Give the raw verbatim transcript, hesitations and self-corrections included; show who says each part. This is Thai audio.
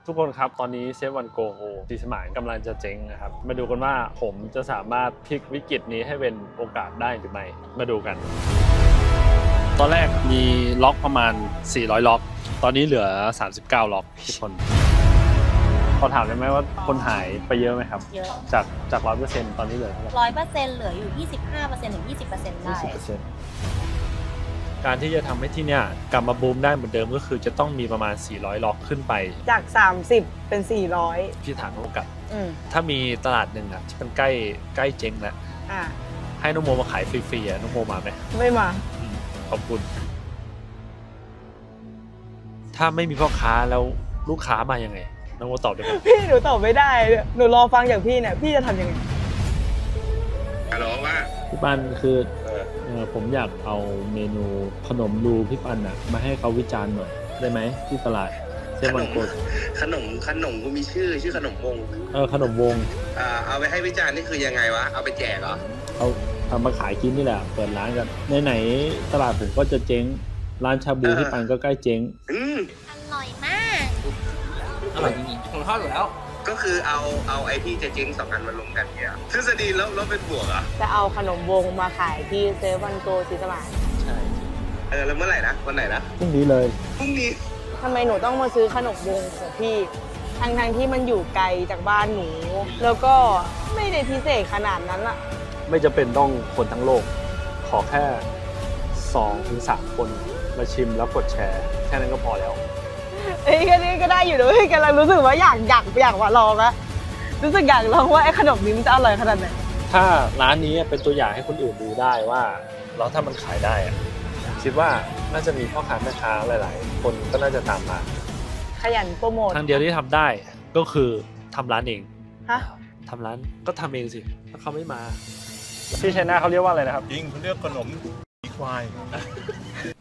Speaker 1: ทุกคนครับตอนนี้เซฟวันโกโฮสีสมานกำลังจะเจ๊งนะครับมาดูกันว่าผมจะสามารถพลิกวิกฤตนี้ให้เป็นโอกาสได้หรือไม่มาดูกัน ตอนแรกมีล็อกประมาณสี่ร้อยล็อกตอนนี้เหลือสามสิบเก้าล็อกทุกคนขอถามได้ไหมว่าคนหายไปเยอะไหมครับ
Speaker 2: เยอะ
Speaker 1: จากจากร้อยเปอร์เซ็นต์ตอนนี้เหลือเท่าไหร่
Speaker 2: ร้อยเปอร์เซ็นต์เหลืออยู่ยี่สิบห้าเปอร์เซ็นต์ถึงยี่สิบเปอร์เซ็นต์ได้
Speaker 1: ยี่สิบเปอร์เซ็นต์การที่จะทำให้ที่เนี่ยกลับมาบูมได้เหมือนเดิมก็คือจะต้องมีประมาณสี่ร้อยล็อกขึ้นไป
Speaker 3: จากสามสิบเป็นสี่ร้อย
Speaker 1: พี่ถามโอกาส
Speaker 3: อืม
Speaker 1: ถ้ามีตลาดหนึ่งอ่ะที่มันใกล้ใกล้เจ๊งแล้ว
Speaker 3: อ่า
Speaker 1: ให้น้องโมมาขายฟรีๆอ่ะน้องโมมาไหม
Speaker 3: ไม่มา
Speaker 1: อืมขอบคุณ ถ้าไม่มีพ่อค้าแล้วลูกค้ามายังไงน้องโมตอบได้ไหม
Speaker 3: พี่หนูตอบไม่ได้หนูรอฟังจากพี่เนี่ยพี่จะทำยังไง
Speaker 4: ฮัลโหลว่า
Speaker 1: พี่ปันคือ
Speaker 4: เออ
Speaker 1: เออผมอยากเอาเมนูขนมรูพี่ปันอ่ะมาให้เขาวิจารณ์หน่อยได้ไหมที่ตลาดเซ
Speaker 4: ข
Speaker 1: เว่
Speaker 4: น
Speaker 1: น
Speaker 4: ม
Speaker 1: โกด
Speaker 4: ขนมขนมกูมีชื่อชื่อขนมวง
Speaker 1: เออขนมวง
Speaker 4: อ่าเอาไปให้วิจารณ์นี่คือยังไงวะเอาไปแจกเหรอ
Speaker 1: เอาทำมาขายกินนี่แหละเปิดร้านกันไหนๆตลาดผมก็จะเจ๊งร้านชาบูพี่ปันก็ใกล้เจ๊ง
Speaker 4: อืม
Speaker 2: อร่อยมาก
Speaker 5: อร่อยจริงๆผมชอบอยู่แล้ว
Speaker 4: ก็คือเอาเอาไอ้ที่จะเจ๊งสองอันมารวมกันเนี่ยทฤษฎีแล้วแล้วเป็นบวกเหรอ
Speaker 3: จะเอาขนมวงมาขายที่เซเวันโกสีสมาน
Speaker 1: ใช่
Speaker 4: เออแล้วเมื่อไหร่นะวันไหนนะ
Speaker 1: พรุ่งนี้เลย
Speaker 4: พรุ่งนี้
Speaker 3: ทำไมหนูต้องมาซื้อขนมวงของพี่ทั้งทงๆที่มันอยู่ไกลจากบ้านหนู แล้วก็ไม่ได้พิเศษขนาดนั้นอะ
Speaker 1: ไม่จะเป็นต้องคนทั้งโลก ขอแค่สองถึงสามคนมาชิมแล้วกดแชร์ แค่นั้นก็พอแล้ว
Speaker 3: เอ้ยก็นี่ก็ได้อยู่ด้วยกำลังรู้สึกว่าอยากอยากอยากมาลองอะรู้สึกอยากลองว่าไอ้ขนมนี้มันจะอร่อยขนาดไหน
Speaker 1: ถ้าร้านนี้เป็นตัวอย่างให้คนอื่นดูได้ว่าแล้วถ้ามันขายได้อะคิดว่าน่าจะมีพ่อค้าแม่ค้าหลาย ๆ คนก็น่าจะตามมา
Speaker 3: ขยันโปรโมท
Speaker 1: ทางเดียวที่ทำได้ก็คือทำร้านเอง
Speaker 3: ฮะ
Speaker 1: ทำร้านก็ทำเองสิถ้าเขาไม่มาที่ไชน่าเขาเรียกว่าอะไรนะครับ
Speaker 6: จริงเขาเรียกขนมอีควาย